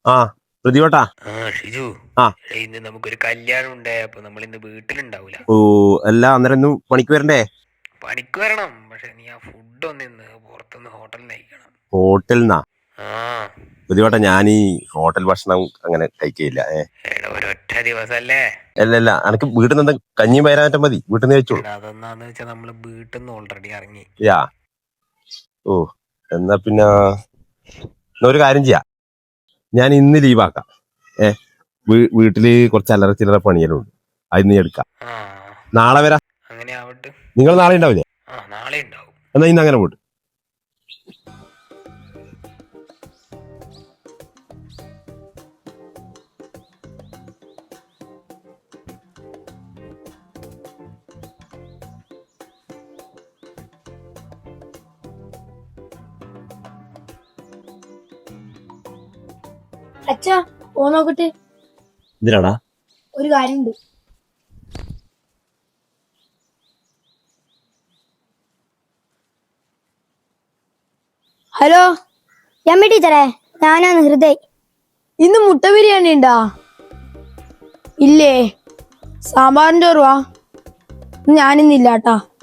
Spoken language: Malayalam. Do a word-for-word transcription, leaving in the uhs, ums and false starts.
ആ പ്രതിവട്ടാ. ആ ഷിജു, ആ എടാ, ഇന്ന് നമുക്കൊരു കല്യാണം ഉണ്ട്. അപ്പൊ നമ്മൾ ഇന്ന് വീട്ടിലുണ്ടാവൂല. ഓ അല്ല അന്നേരം ഇന്ന് പണിക്ക് വരണ്ടേ? പണിക്ക് വരണം, പക്ഷെ നീ ആ ഫുഡ് ഒന്ന് ഇന്ന് പുറത്തുനിന്ന് ഹോട്ടലിൽ നിന്ന് കഴിക്കണം. ഹോട്ടലിൽ നിന്നാ? ആ പ്രതിവട്ട ഞാൻ ഈ ഹോട്ടൽ ഭക്ഷണം അങ്ങനെ കഴിക്കില്ല. ഏ എടാ, ഒരൊറ്റ ദിവസല്ലേ. അല്ല അല്ല എനക്ക് വീട്ടിൽ നിന്ന് കഞ്ഞിയും പയറാറ്റം മതി, വീട്ടിൽ നിന്ന് കഴിച്ചോളൂ. എടാ, അതെന്നാന്ന് വെച്ചാ നമ്മള് വീട്ടിൽ നിന്ന് ഓൾറെഡി ഇറങ്ങി. യാ ഓ എന്നാ പിന്നെ എന്നാ ഒരു കാര്യം ചെയ്യാം, ഞാൻ ഇന്ന് ലീവാക്കാം. ഏ വീ- വീട്ടില് കുറച്ച് അല്ലറ ചില്ലറ പണിയെല്ലാം അത് നീ എടുക്കാം. ആ നാളെ വരാം. അങ്ങനെ ആവട്ടെ. നിങ്ങൾ നാളെ ഉണ്ടാവില്ലേ? ആ നാളെ ഉണ്ടാവും. എന്നാ ഇന്ന് അങ്ങനെ പോട്ട്. അച്ഛാ, പോ നോക്കട്ടെ. എന്തിനാടാ? ഒരു കാര്യമുണ്ട്. ഹലോ, യമ്മി ടീച്ചറെ, ഞാനാണ് ഹൃദയ്. ഇന്ന് മുട്ട ബിരിയാണി ഉണ്ടാ? ഇല്ലേ, സാമ്പാറിന്റെ ഓർവാ. ഞാനിന്നില്ലാട്ടാ.